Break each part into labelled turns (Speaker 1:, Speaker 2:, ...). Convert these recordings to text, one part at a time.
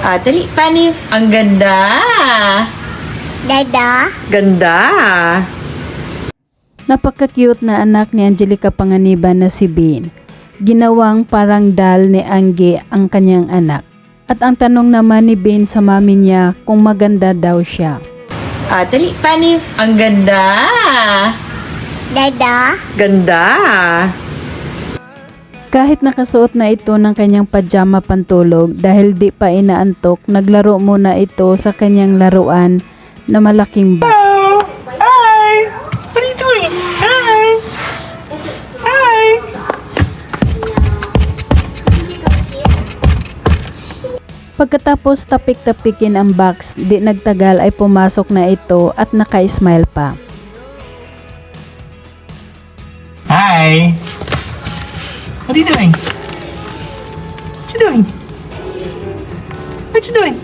Speaker 1: Dali, Pani. Ang ganda.
Speaker 2: Dada.
Speaker 1: Ganda.
Speaker 3: Napaka-cute na anak ni Angelica Panganiban na si Bean. Ginawang parang doll ni Angge ang kanyang anak. At ang tanong naman ni Bean sa mami niya kung maganda daw siya.
Speaker 1: Dali, Pani. Ang ganda.
Speaker 2: Dada.
Speaker 1: Ganda.
Speaker 3: Kahit nakasuot na ito ng kanyang pajama pantulog dahil di pa inaantok, naglaro muna ito sa kanyang laruan na malaking box.
Speaker 4: Hi! What are you doing? Hi! Hi!
Speaker 3: Pagkatapos tapik-tapikin ang box, di nagtagal ay pumasok na ito at naka-smile pa.
Speaker 4: Hi! What are you doing? What you doing? What you doing?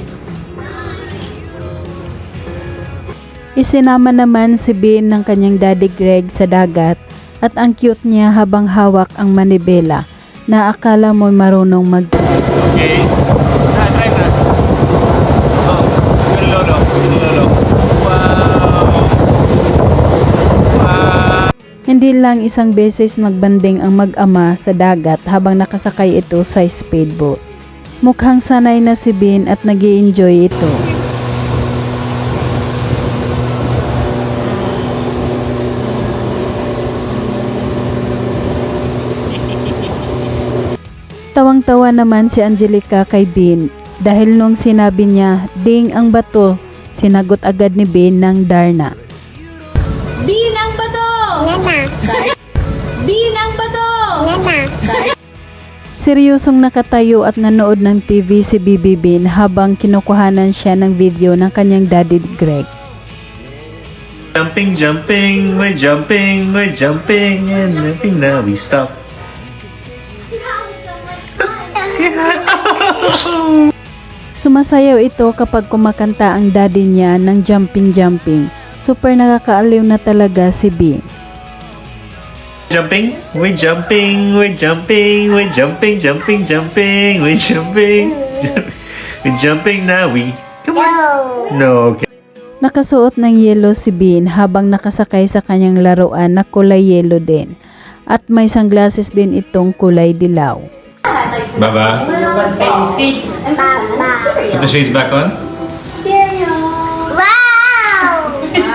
Speaker 3: Isinama naman si Bean ng kanyang daddy Greg sa dagat at ang cute niya habang hawak ang manibela na akala mo'y marunong mag-drive.
Speaker 4: Okay. Try na. Oh, good lolo. Wow. Wow.
Speaker 3: Hindi lang isang beses nagbanding ang mag-ama sa dagat habang nakasakay ito sa speedboat. Mukhang sanay na si Bean at nag-i-enjoy ito. Tawang-tawa naman si Angelica kay Bean dahil nung sinabi niya, "Ding ang bato," sinagot agad ni Bean ng Darna.
Speaker 1: Bean ang bato.
Speaker 2: Nana.
Speaker 1: Bean ang bato.
Speaker 2: Nana.
Speaker 3: Seryosong nakatayo at nanood ng TV si Bibi Bean habang kinukuhanan siya ng video ng kanyang daddy Greg.
Speaker 4: Jumping, we're jumping, and jumping now we stop.
Speaker 3: Sumasayaw ito kapag kumakanta ang daddy niya ng jumping. Super nakakaaliw na talaga si Bean.
Speaker 4: Jumping, we're jumping, we're jumping, we're jumping now we. Come on. No, okay.
Speaker 3: Nakasuot ng yelo si Bean habang nakasakay sa kanyang laruan na kulay yelo din. At may sunglasses din itong kulay dilaw.
Speaker 4: Baba,
Speaker 2: Papa.
Speaker 4: put the shades back on.
Speaker 2: Wow!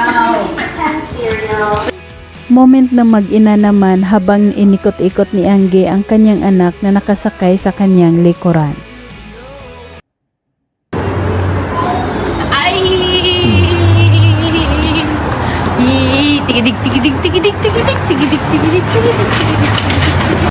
Speaker 3: Moment na mag-ina naman habang inikot-ikot ni Angge ang kanyang anak na nakasakay sa kanyang likuran.
Speaker 1: Ay! Tigidig.